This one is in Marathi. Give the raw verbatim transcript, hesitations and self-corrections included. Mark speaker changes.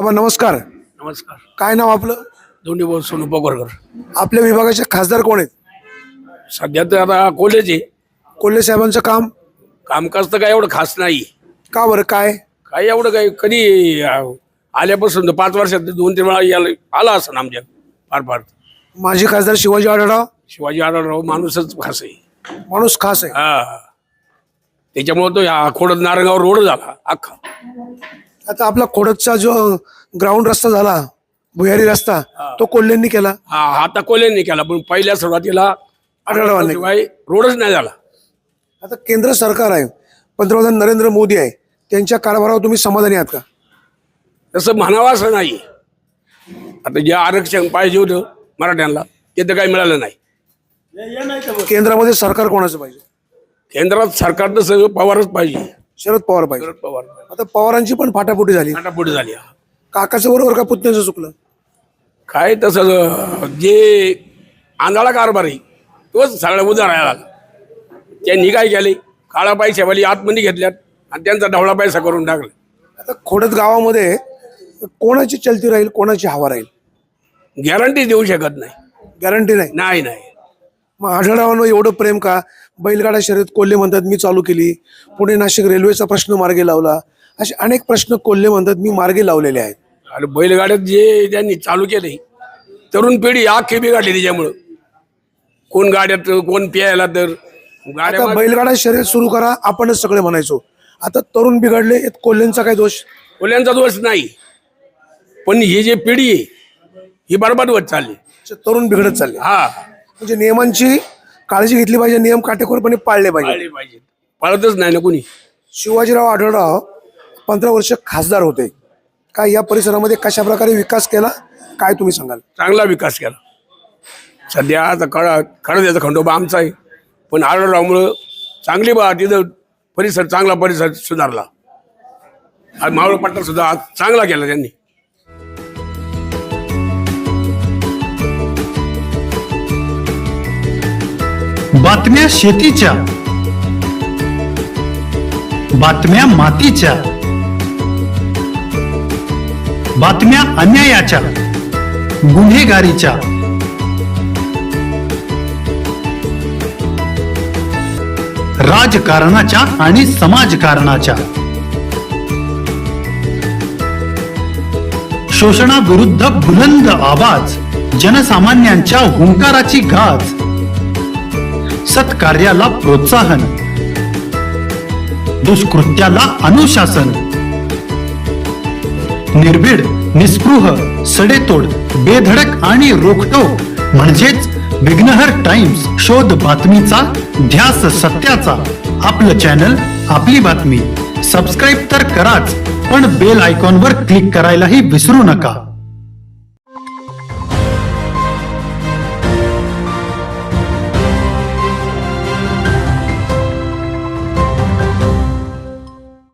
Speaker 1: बाबा नमस्कार.
Speaker 2: नमस्कार.
Speaker 1: काय नाव आपलं?
Speaker 2: दोन्ही भाऊ सोनू पोगरकर.
Speaker 1: आपल्या विभागाचे खासदार कोण आहेत?
Speaker 2: सध्या तर आता कोल्हेचे
Speaker 1: कोल्हे साहेबांचं काम
Speaker 2: कामकाज तर काय एवढं खास नाही.
Speaker 1: का बरं काय?
Speaker 2: काय एवढं काय कधी अं, आल्यापासून तर पाच वर्षात दोन तीन वेळा याला आला असं आमच्या फार फार.
Speaker 1: माजी खासदार शिवाजी आढळराव
Speaker 2: शिवाजी आढळराव माणूसच खास आहे.
Speaker 1: माणूस खास आहे.
Speaker 2: हा त्याच्यामुळे तो या खोडद नारंगाव रोड झाला अख्खा.
Speaker 1: आता आपला खोडदचा जो ग्राउंड रस्ता झाला भुयारी रस्ता तो कोल्हेंनी केला.
Speaker 2: हा आता कोल्हेंनी केला पण पहिल्या सुरुवातीला
Speaker 1: आढळरावांनी
Speaker 2: शिवाय रोडच नाही झाला.
Speaker 1: आता केंद्र सरकार आहे, पंतप्रधान नरेंद्र मोदी आहे, त्यांच्या कारभारावर तुम्ही समाधानी आहात का?
Speaker 2: तसं म्हणावं असं नाही. आता जे आरक्षण पाहिजे होतं मराठ्यांना ते तर काही मिळालं नाही.
Speaker 1: केंद्रामध्ये सरकार कोणाचं पाहिजे?
Speaker 2: केंद्रात सरकार तर सगळं पवारच पाहिजे.
Speaker 1: शरद पवार पाहिजे.
Speaker 2: शरद पवार
Speaker 1: आता पवारांची पण फाटाफुटी झाली.
Speaker 2: पुढे झाली.
Speaker 1: काकाचं बरोबर का पुतण्याचं चुकलं?
Speaker 2: काय तसं जे आंधळा कारभार आहे तोच सगळा उदार राहिला. त्यांनी काय केले काळा पैशावाली आतमध्ये घेतल्यात आणि त्यांचा ढवळा पैसा करून टाकला.
Speaker 1: आता खोडद गावामध्ये कोणाची चलती राहील, कोणाची हवा राहील?
Speaker 2: गॅरंटी देऊ शकत नाही.
Speaker 1: गॅरंटी नाही.
Speaker 2: नाही नाही
Speaker 1: मग आढळरावांवर एवढं प्रेम का? बैलगाडा शर्यत कोल्हे म्हणतात मी चालू केली, पुणे नाशिक रेल्वेचा प्रश्न मार्गी लावला, असे अनेक प्रश्न कोल्हे म्हणतात मी मार्गी लावलेले आहेत.
Speaker 2: आणि बैलगाड्यात जे त्यांनी चालू केले तरुण पिढी आखे बिघडली त्याच्यामुळं. कोण गाड्यात कोण प्यायला तर गाड्या
Speaker 1: आता बैलगाडा शर्यत सुरू करा आपणच सगळे म्हणायचो. आता तरुण बिघडले, यात कोल्हेंचा काय दोष?
Speaker 2: कोल्ह्यांचा दोष नाही पण ही जी पिढी आहे ही बरबाद होत चालली.
Speaker 1: तरुण बिघडत चालले.
Speaker 2: हा
Speaker 1: म्हणजे नियमांची काळजी घेतली पाहिजे, नियम काटेकोरपणे पाळले पाहिजे.
Speaker 2: पाळली पाहिजे. पाळतच नाही ना कोणी.
Speaker 1: शिवाजीराव आढळराव पंधरा वर्ष खासदार होते. काय या परिसरामध्ये कशा प्रकारे विकास केला काय तुम्ही सांगाल?
Speaker 2: चांगला विकास केला. सध्या आता कळा खडद्याचा खंडोबा आमचा आहे पण आढळरावमुळं चांगली बा तिथं परिसर चांगला परिसर सुधारला. आणि मावळ पट्टा सुद्धा चांगला केला त्यांनी.
Speaker 3: बातम्या शेतीच्या, बातम्या मातीच्या, बातम्या अन्यायाच्या, गुन्हेगारीच्या, राजकारणाच्या आणि समाजकारणाच्या, शोषणाविरुद्ध बुलंद आवाज, जनसामान्यांच्या हुंकाराची गाज, सत्कार्याला प्रोत्साहन, दुष्कृत्याला अनुशासन, निर्भीड, निस्पृह, सडेतोड, बेधडक आणि रोखटोक म्हणजेच विघ्नहर टाइम्स. शोध बातमीचा, ध्यास सत्याचा. आपलं चॅनल, आपली बातमी. सबस्क्राईब तर कराच पण बेल आयकॉनवर क्लिक करायलाही विसरू नका.